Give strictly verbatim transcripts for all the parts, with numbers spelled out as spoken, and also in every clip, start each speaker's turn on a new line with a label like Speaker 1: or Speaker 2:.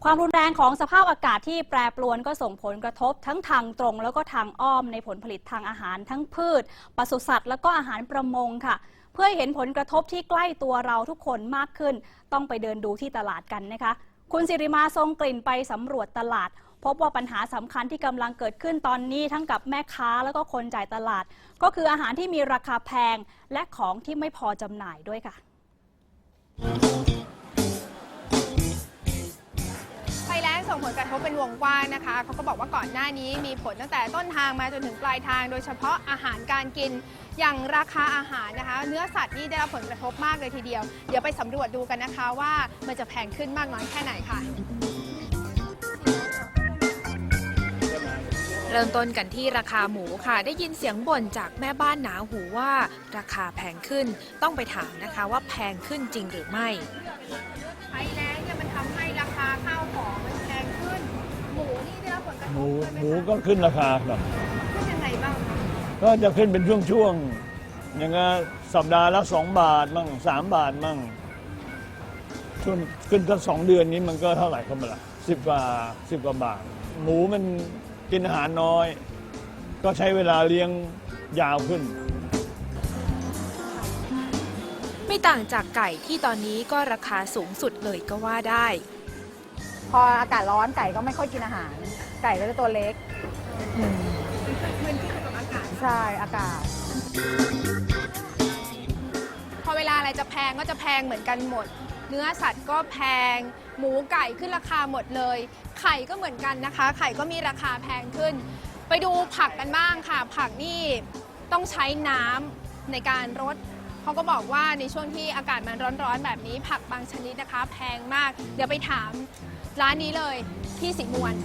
Speaker 1: ความรุนแรงของสภาพอากาศที่แปรปรวนก็ส่งผลกระทบทั้งทางตรงแล้วก็ทางอ้อมในผลผลิตทางอาหารทั้งพืชปศุสัตว์แล้วก็อาหารประมงค่ะเพื่อให้เห็นผลกระทบที่ใกล้ตัวเราทุกคนมากขึ้นต้องไปเดินดูที่ตลาดกันนะคะคุณสิริมาทรงกลิ่นไปสำรวจตลาดพบว่าปัญหาสำคัญที่กำลังเกิดขึ้นตอนนี้ทั้งกับแม่ค้าแล้วก็คนจ่ายตลาดก็คืออาหารที่มีราคาแพงและของที่ไม่พอจำหน่ายด้วยค่ะ
Speaker 2: ภัยแล้งส่งผลกระทบเป็นวงกว้างนะคะเขาก็บอกว่าก่อนหน้านี้มีผลตั้งแต่ต้นทางมาจนถึงปลายทางโดยเฉพาะอาหารการกินอย่างราคาอาหารนะคะเนื้อสัตว์นี่ได้รับผลกระทบมากเลยทีเดียวเดี๋ยวไปสำรวจดูกันนะคะว่ามันจะแพงขึ้นมากน้อยแค่ไหนค่ะเริ่มต้นกันที่ราคาหมูค่ะได้ยินเสียงบ่นจากแม่บ้านหนาหูว่าราคาแพงขึ้นต้องไปถามนะคะว่าแพงขึ้นจริงหรือไม่ภัยแล้งเนี่ยมันทำให้ราคาข้าวของมันแพงขึ้นหมูนี่ได้รับผลกระทบ
Speaker 3: หมูหมูก็ขึ้นราคาครับ
Speaker 2: ขึ้นยังไงบ้างคะ
Speaker 3: ก็จะขึ้นเป็นช่วงๆอย่างเงี้ยสัปดาห์ละสองบาทมั่งสามบาทมั่งช่วงขึ้นสักสองเดือนนี้มันก็เท่าไหร่ครับล่ะสิบกว่าสิบกว่าบาทหมูมันกินอาหารน้อยก็ใช้เวลาเลี้ยงยาวขึ้น
Speaker 2: ไม่ต่างจากไก่ที่ตอนนี้ก็ราคาสูงสุดเลยก็ว่าได้
Speaker 4: พออากาศร้อนไก่ก็ไม่ค่อยกินอาหาร ไก่ก็จะตัวเล็ก
Speaker 2: มันขึ้นกับอากาศ
Speaker 4: ใช่อากาศ
Speaker 2: พอเวลาอะไรจะแพงก็จะแพงเหมือนกันหมดเนื้อสัตว์ก็แพงหมูไก่ขึ้นราคาหมดเลยไข่ก็เหมือนกันนะคะไข่ก็มีราคาแพงขึ้นไปดูผักกันบ้างค่ะผักนี่ต้องใช้น้ำในการรดเขาก็บอกว่าในช่วงที่อากาศมันร้อนๆแบบนี้ผักบางชนิดนะคะแพงมากเดี๋ยวไปถามร้านนี้เลยพี่สิมวน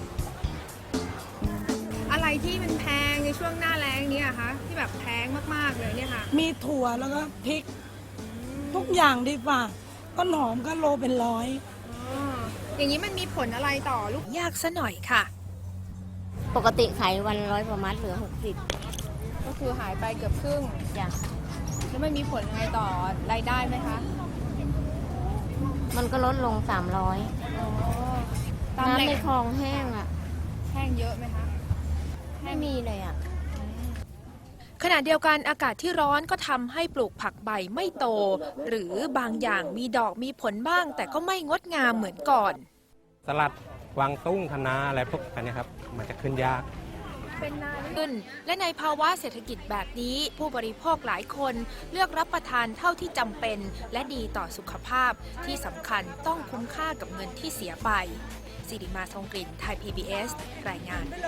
Speaker 2: อะไรที่มันแพงในช่วงหน้าแล้งนี้อะคะที่แบบแพงมากๆเลยเนี่ยค่ะ
Speaker 5: มีถั่วแล้วก็พริกทุกอย่างดีกว่าต้นหอมก็โลเป็นร้อย
Speaker 2: อย่างนี้มันมีผลอะไรต่อลูกยากซะหน่อยค่ะ
Speaker 6: ปกติขายวันร้อยประมาณเหลือหกสิบ
Speaker 2: ก็คือหายไปเกือบครึ่ง
Speaker 6: จ้ะ
Speaker 2: แล้วมันมีผลยังไงต่อรายได้ไหมคะ
Speaker 6: มันก็ลดลงสามร้อยน้ำในคลองแห้งอ่ะ
Speaker 2: แห้งเยอะไหมคะ
Speaker 6: ไม่มีเลยอ่ะ
Speaker 2: ขณะเดียวกันอากาศที่ร้อนก็ทำให้ปลูกผักใบไม่โตหรือบางอย่างมีดอกมีผลบ้างแต่ก็ไม่งดงามเหมือนก่อน
Speaker 7: สลัดกวางตุ้งคะน้าอะไรพวกนี้ครับมันจะขึ้นยาก
Speaker 2: เป็นนานขึ้นและในภาวะเศรษฐกิจแบบนี้ผู้บริโภคหลายคนเลือกรับประทานเท่าที่จำเป็นและดีต่อสุขภาพที่สำคัญต้องคุ้มค่ากับเงินที่เสียไปสิริมาทองกลิ่นไทย พี บี เอส รายงาน